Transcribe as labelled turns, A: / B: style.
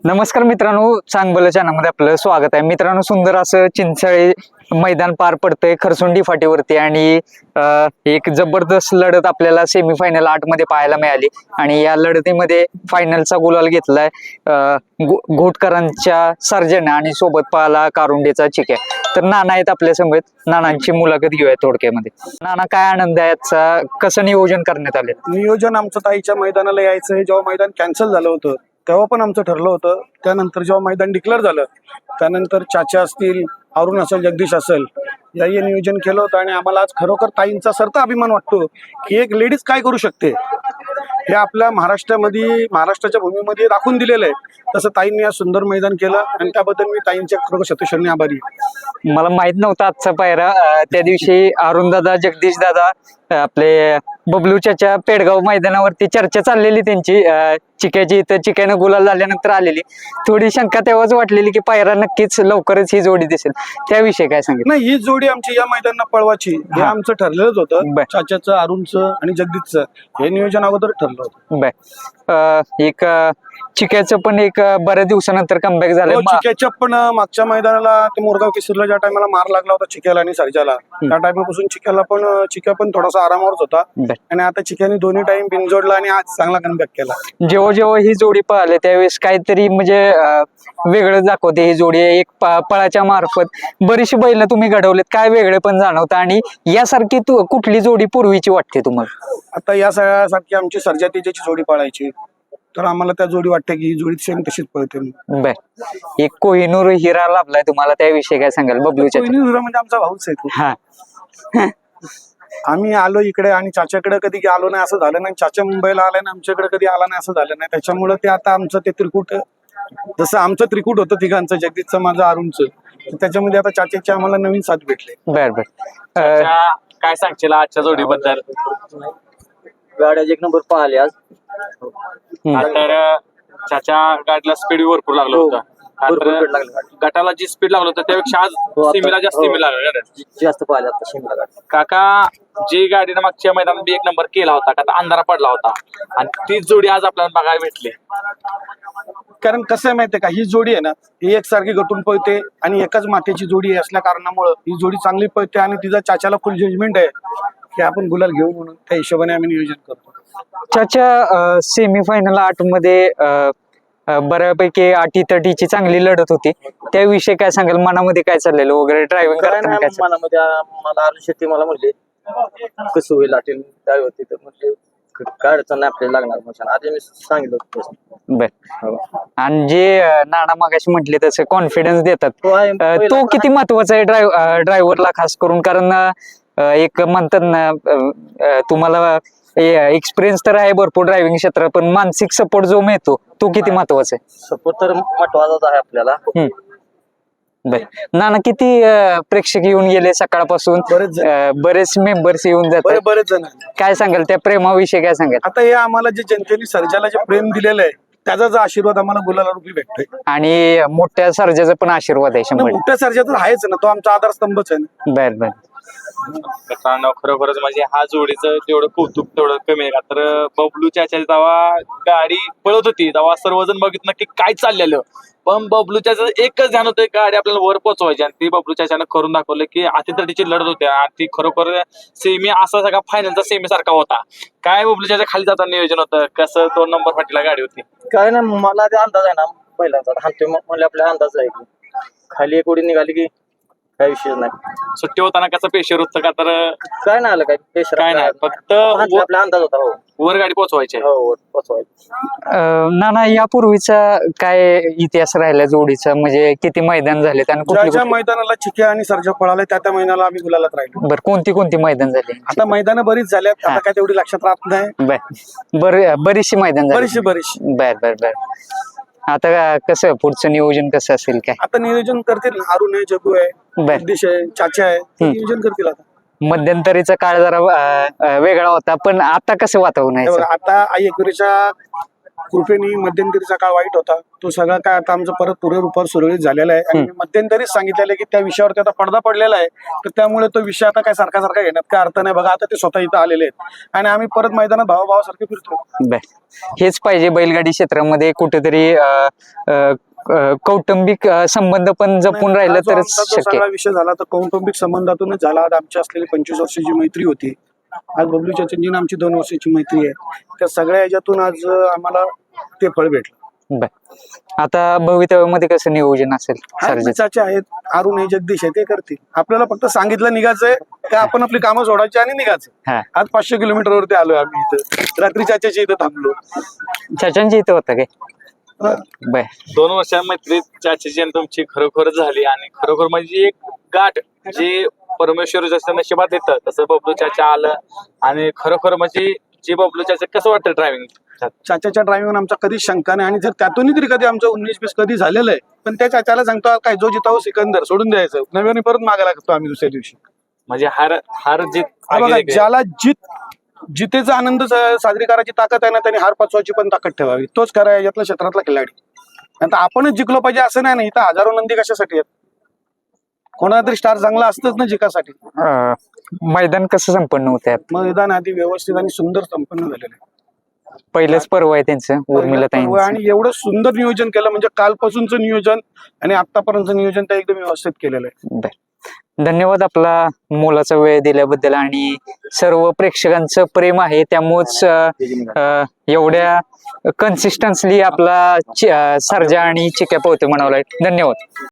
A: नमस्कार मित्रांनो, चांगलं चॅनलमध्ये आपलं स्वागत आहे. मित्रांनो, सुंदर असं चिंचाळे मैदान पार पडतंय खरसुंडी फाटीवरती आणि एक जबरदस्त लढत आपल्याला सेमीफायनल 8 मध्ये पाहायला मिळाली आणि या लढतीमध्ये फायनलचा गुलाल घेतलाय घोटकरांच्या सर्जन आणि सोबत पाहला कारुंडेचा चिक्या. तर नाना आहेत आपल्या समोर, नानांची मुलाखत घेऊया थोडक्यामध्ये. नाना, काय आनंद आहे याचा, कसं नियोजन करण्यात आले?
B: नियोजन आमचं ताईच्या मैदानाला यायचं हे जेव्हा मैदान कॅन्सल झालं होतं तेव्हा पण आमचं ठरलं होतं. त्यानंतर जेव्हा मैदान डिक्लेअर झालं त्यानंतर चाचा असतील, अरुण असेल, जगदीश असेल, याही नियोजन केलं होतं आणि आम्हाला आज खरोखर ताईंचा सरता अभिमान वाटतो की एक लेडीज काय करू शकते हे आपल्या महाराष्ट्राच्या भूमीमध्ये दाखवून दिलेलं आहे. तसं ताईंनी आज सुंदर मैदान केलं आणि त्याबद्दल मी ताईंच्या खरोखर शतशरणी आभारी आहे.
A: मला माहित नव्हता आजचा पायरा. त्या दिवशी अरुण दादा, जगदीश दादा, आपले बबलू चाचा पेडगाव मैदानावरती चर्चा चाललेली त्यांची चिक्याची. तर चिक्यानं गुलाल झाल्यानंतर आलेली थोडी शंका तेव्हाच वाटलेली की पायरा नक्कीच लवकरच ही जोडी दिसेल. त्याविषयी काय सांगितलं?
B: नाही, ही जोडी आमची या मैदानात पळवायची हे आमचं ठरलेलंच होतं. चाच्याचं, अरुणचं आणि जगदीशचं हे नियोजन अगोदर ठरलं होतं.
A: एक चिक्याचं पण एक बऱ्याच दिवसानंतर कमबॅक झालं.
B: चिक्याच्या पण मागच्या मैदानाला ते मोरगाव केसरीला ज्या टायमाला मार लागला होता चिक्याला आणि सर्जाला, त्या टायमापासून चिक्या पण थोडासा आरामावरच होता आणि आता चिक्याने दोन्ही टाइम बिनजोडला आणि आज चांगला कमबॅक केला.
A: जेव्हा जेव्हा ही जोडी पळाली त्यावेळेस काहीतरी म्हणजे वेगळं दाखवते ही जोडी. एक पळाच्या मार्फत बरीचशी बैल तुम्ही घडवलेत, काय वेगळे पण जाणवतं आणि यासारखी कुठली जोडी पूर्वीची वाटते तुम्हाला?
B: आता या सगळ्यासारखी आमची सर्जा तेजाची जोडी पळायची तर आम्हाला त्या जोडी वाटते की ही जोडी सेम तशीच पळते.
A: बर, एक कोहिनूर हिरा लाभलाय तुम्हाला, त्याविषयी काय सांगाल? बबलूच्या
B: कोहिनूर हिरा म्हणजे आमचा भाऊच आहे तो.
A: हा
B: आम्ही आलो इकडे आणि चाच्याकडे कधी आलो नाही असं झालं नाही, चाचा मुंबईला आलाय ना आमच्याकडे कधी आला नाही असं झालं नाही. त्याच्यामुळे ते आता आमचं ते त्रिकूट, जसं आमचं त्रिकूट होतं तिघांचं, जगदीशचं, माझं, अरुणचं, त्याच्यामध्ये आता चाच्याची आम्हाला नवीन साथ भेटले.
A: बर बर,
C: काय सांगशील आजच्या जोडीबद्दल?
D: गाड्या एक नंबर पाहिले आज.
C: तर चाचा गाडीला स्पीड भरपूर लागलं होतं. गटाला जी स्पीड लागलं होतं त्यापेक्षा आज सीमेला जास्त स्पीड लागलं.
D: जास्त पाहिले आता शिमला गाडी.
C: काका, जी गाडीनं मागच्या मैदानात एक नंबर केला होता का, अंधारा पडला होता आणि तीच जोडी आज आपल्याला बघायला भेटली.
B: कारण कसं आहे माहितीये का, ही जोडी आहे ना ही एकसारखी गटून पळते आणि एकाच मातेची जोडी असल्या कारणामुळे ही जोडी चांगली पळते आणि तिचा चाच्याला फुल जजमेंट आहे की आपण गुलाल घेऊ म्हणून. त्या हिशोबाने आम्ही नियोजन करतो.
A: चाचा सेमीफायनल 8 मध्ये बऱ्यापैकी 80-30ची चांगली लढत होती. त्याविषयी काय सांगाल? मनामध्ये काय चाललेलं वगैरे ड्रायव्हिंग करताना? काय
D: मनामध्ये मला अरुण शेट्टी मला म्हणले कसं होईल आटेल होती, तर म्हणजे काय अडचण नाही आपल्याला लागणार मशान. आधी मी सांगितलं होतं.
A: बर, आणि जे नाना मागाशी म्हटले तसं कॉन्फिडन्स देतात, तो किती महत्वाचा आहे ड्रायव्हरला खास करून? कारण एक म्हणतात ना, तुम्हाला एक्सपिरियन्स तर आहे भरपूर ड्रायव्हिंग क्षेत्रात, पण मानसिक सपोर्ट जो मिळतो तो किती महत्वाचा आहे?
D: सपोर्ट तर महत्वाचाच आहे आपल्याला.
A: बर, नाना, किती प्रेक्षक येऊन गेले सकाळपासून? बरेच मेंबर्स येऊन जातात.
B: बरेच जण.
A: काय सांगाल त्या प्रेमाविषयी? काय सांगाल?
B: आता हे आम्हाला जे जनतेने सर्जाला जे प्रेम दिलेलं आहे त्याचा जो आशीर्वाद आम्हाला गुलाला रुपी भेटतोय
A: आणि मोठ्या सर्जाचा पण आशीर्वाद आहे 100%.
B: मोठ्या सर्जा तर आहेच ना, तो आमचा आधारस्तंभच आहे ना.
A: बर बर,
C: खरोखरच म्हणजे हा जोडीचं तेवढं कौतुक तेवढं कमी आहे का. तर बबलू चाचा जेव्हा गाडी पळत होती तेव्हा सर्वजण बघितलं की काय चाललेलं, पण बबलू चाचा एकच ध्यान होतं, गाडी आपल्याला वर पोहोचवायची आणि ती बबलू चाचानं करून दाखवलं की अतितटीची लढत होती आणि ती खरोखर सेमी असा सगळा फायनलचा सेमी सारखा होता. काय बबलू चाचा खाली जाताना नियोजन होतं, कसं 2 नंबर फाटीला गाडी होती?
D: काय नाही, मला ते अंदाज आहे ना पहिल्यांदा हाणतोय म्हणजे आपल्या अंदाज आहे की खाली एक उडी निघाली की काय विषय नाही.
C: सुट्टी होताना कसं पेशर होतं का? तर
D: काय नाही आलं, काय पेशर
C: काय नाही, फक्त
D: आपला अंदाज होता. हो,
C: वर गाडी पोहोचवायची.
D: हो पोचवायची.
A: नाना, यापूर्वीचा काय इतिहास राहिला जोडीचा? म्हणजे किती मैदान झाले आणि
B: ज्या मैदानाला चिक्या आणि सर्जा पळाले त्या मैदानाला आम्ही गुलालात राहिलो.
A: बर, कोणती मैदान झाली?
B: आता मैदानं बरीच झाल्यात, आता काय तेवढी लक्षात राहत नाही.
A: बरीचशी मैदान झाली.
B: बरीचशी.
A: बर बर बर, आता कसं पुढचं नियोजन कसं असेल? काय
B: आता नियोजन करतील, अरुण आहे, जगू आहे, जगदीश आहे, चाचा आहे, नियोजन करतील. आता
A: मध्यंतरीचा काळ जरा वेगळा होता, पण आता कसं वातावरण आहे?
B: आता आई एकविरीच्या कृपेने मध्यंतरीचा काळ वाईट होता, तो सगळा काय आता आमचं परत पूर्वरूपावर सुरळीत झालेला आहे. आणि मी मध्यंतरीच सांगितलेलं आहे की त्या विषयावरती आता पडदा पडलेला आहे, तर त्यामुळे तो विषय आता काय सारखा सारखा घेण्यात काय अर्थ नाही. बघा आता ते स्वतः इथं आलेले आहेत आणि आम्ही परत मैदानात भावाभावासारखे फिरतो.
A: बर, हेच पाहिजे बैलगाडी क्षेत्रामध्ये कुठेतरी कौटुंबिक संबंध पण जपून राहिलं
B: हा जो
A: तरच
B: आमचा जो
A: शक्य
B: सगळा विषय झाला तर कौटुंबिक संबंधातूनच झाला. आज आमची असलेली 25 वर्षाची मैत्री होती, आज बबलू चाचांची आमची 2 वर्षाची मैत्री आहे. त्या सगळ्या ह्याच्यातून आज आम्हाला ते फळ भेटलं.
A: बर, आता भवितव्यामध्ये कसं नियोजन असेल सर्जाचं?
B: चाचे आहेत, अरुण आहे, जगदीश आहे, ते करतील. आपल्याला फक्त सांगितलं निघायचंय का आपण आपली कामं सोडायची आणि निघायचं.
A: हा,
B: आज 500 किलोमीटरवरती आलोय आम्ही इथं, रात्री चाच्याच्या इथं थांबलो.
A: चाचांची इथं होतं काय? बर,
C: 2 वर्षा मैत्रीत चाच्याची आणि तुमची खरोखर झाली आणि खरोखर म्हणजे एक गाठ जे परमेश्वर जसं नशिबात येतं तसं बबलू चाचा आलं आणि खरोखर म्हणजे जे बबलू चाचा कसं वाटतं ड्रायव्हिंग?
B: चाच्याच्या ड्रायव्हिंग आमचा कधीच शंका नाही आणि जर त्यातूनही तरी कधी आमचं 19-20 कधी झालेलं आहे, पण त्या चाच्याला सांगतो काय जो जितावं सिकंदर सोडून द्यायचं, नव्याने परत मागा लागतो आम्ही दुसऱ्या दिवशी.
C: म्हणजे हार जीत
B: हा बघा, ज्याला जितेचा आनंद साजरी करायची ताकद आहे ना, त्यांनी हार पचवायची पण ताकद ठेवावी. तोच खरा आहे यातला क्षेत्रातला खिलाडी. आता आपणच जिंकलो पाहिजे असं नाही ना, इथं हजारो नंदी कशासाठी आहेत? कोणाला तरी स्टार चांगला असतच ना जिंकासाठी.
A: मैदान कसं संपन्न होत आहे?
B: मैदान आधी व्यवस्थित आणि सुंदर संपन्न झालेलं आहे.
A: पहिलंच पर्व आहे त्यांचं उर्मिला ताईंचं.
B: आणि एवढं सुंदर नियोजन केलं म्हणजे कालपासूनचं नियोजन आणि आतापर्यंतचं नियोजन तर एकदम व्यवस्थित केलेलं आहे.
A: बर, धन्यवाद आपला मोलाचा वेळ दिल्याबद्दल. आणि सर्व प्रेक्षकांचं प्रेम आहे त्यामुळेच एवढ्या कन्सिस्टन्सली आपला सर्जा आणि चिक्या पोहते म्हणावं लागेल. धन्यवाद.